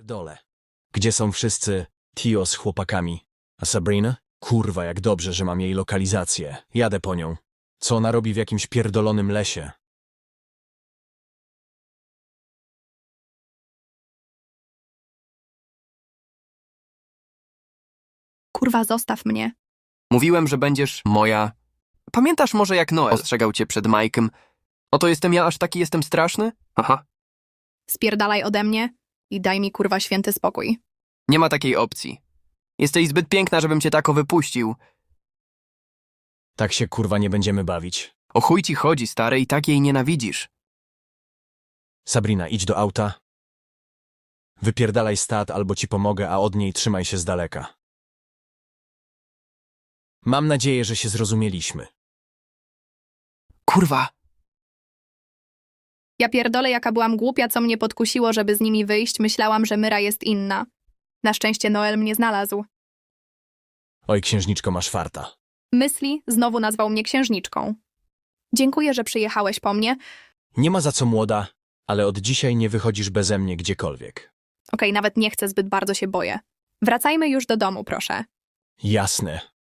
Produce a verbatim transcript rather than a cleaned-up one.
Dole. Gdzie są wszyscy Tio z chłopakami? A Sabrina? Kurwa, jak dobrze, że mam jej lokalizację. Jadę po nią. Co ona robi w jakimś pierdolonym lesie? Kurwa, zostaw mnie. Mówiłem, że będziesz moja... Pamiętasz może, jak Noel ostrzegał cię przed Mike'em? Oto jestem ja, aż taki jestem straszny? Aha. Spierdalaj ode mnie i daj mi kurwa święty spokój. Nie ma takiej opcji. Jesteś zbyt piękna, żebym cię tako wypuścił. Tak się kurwa nie będziemy bawić. O chuj ci chodzi, stary, i tak jej nienawidzisz. Sabrina, idź do auta. Wypierdalaj stat, albo ci pomogę, a od niej trzymaj się z daleka. Mam nadzieję, że się zrozumieliśmy. Kurwa. Ja pierdolę, jaka byłam głupia, co mnie podkusiło, żeby z nimi wyjść. Myślałam, że Myra jest inna. Na szczęście Noel mnie znalazł. Oj, księżniczko, masz farta. Myśli znowu nazwał mnie księżniczką. Dziękuję, że przyjechałeś po mnie. Nie ma za co, młoda, ale od dzisiaj nie wychodzisz beze mnie gdziekolwiek. Okej, nawet nie chcę, zbyt bardzo się boję. Wracajmy już do domu, proszę. Jasne.